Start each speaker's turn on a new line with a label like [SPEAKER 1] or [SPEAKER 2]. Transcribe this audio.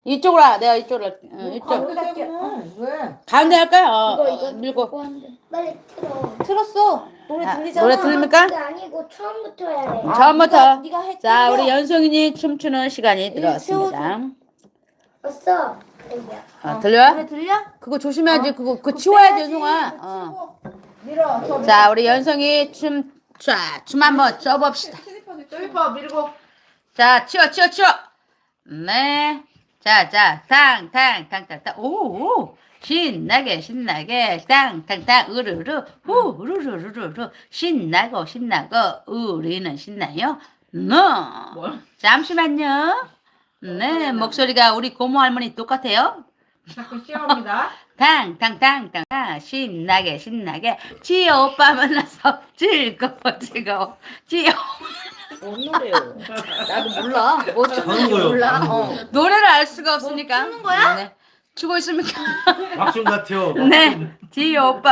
[SPEAKER 1] 이쪽으로 와. 내가 이쪽으로 할게. 이쪽.
[SPEAKER 2] 가운데 할게. 왜?
[SPEAKER 1] 가운데 할까요?
[SPEAKER 3] 이거
[SPEAKER 1] 밀고.
[SPEAKER 3] 빨리 틀어.
[SPEAKER 2] 틀었어. 노래
[SPEAKER 1] 아,
[SPEAKER 2] 들리잖아.
[SPEAKER 1] 노래 들립니까?
[SPEAKER 3] 그게 아니고 처음부터 해야 돼.
[SPEAKER 1] 처음부터.
[SPEAKER 2] 네가 해.
[SPEAKER 1] 자,
[SPEAKER 2] 틀려.
[SPEAKER 1] 우리 연송이니 춤추는 시간이 들어왔습니다.
[SPEAKER 3] 왔어. 여기야.
[SPEAKER 1] 들려?
[SPEAKER 2] 노래 들려?
[SPEAKER 1] 그거 조심해야지. 그거 치워야지, 연송아.
[SPEAKER 2] 밀어. 더
[SPEAKER 1] 자, 우리 연송이 춤 한번 춰봅시다.
[SPEAKER 2] 슬리퍼 밀고.
[SPEAKER 1] 자, 치워. 네. 자, 탕. 오. 신나게. 땅. 으르르. 우르르르르. 신나고. 우리는 신나요? 잠시만요. 네, 목소리가 우리 고모 할머니 똑같아요.
[SPEAKER 2] 자꾸 시험이다.
[SPEAKER 1] 탕. 신나게. 지호 오빠 만나서 즐거워. 지호.
[SPEAKER 2] 뭔 노래요? 나도 몰라. 뭐
[SPEAKER 4] 하는 거요.
[SPEAKER 2] 몰라.
[SPEAKER 4] 하는 거.
[SPEAKER 1] 노래를 알 수가 없으니까.
[SPEAKER 2] 추는 거야?
[SPEAKER 1] 네. 추고 있습니까?
[SPEAKER 4] 막춤 같아요.
[SPEAKER 1] 네. 지호 오빠.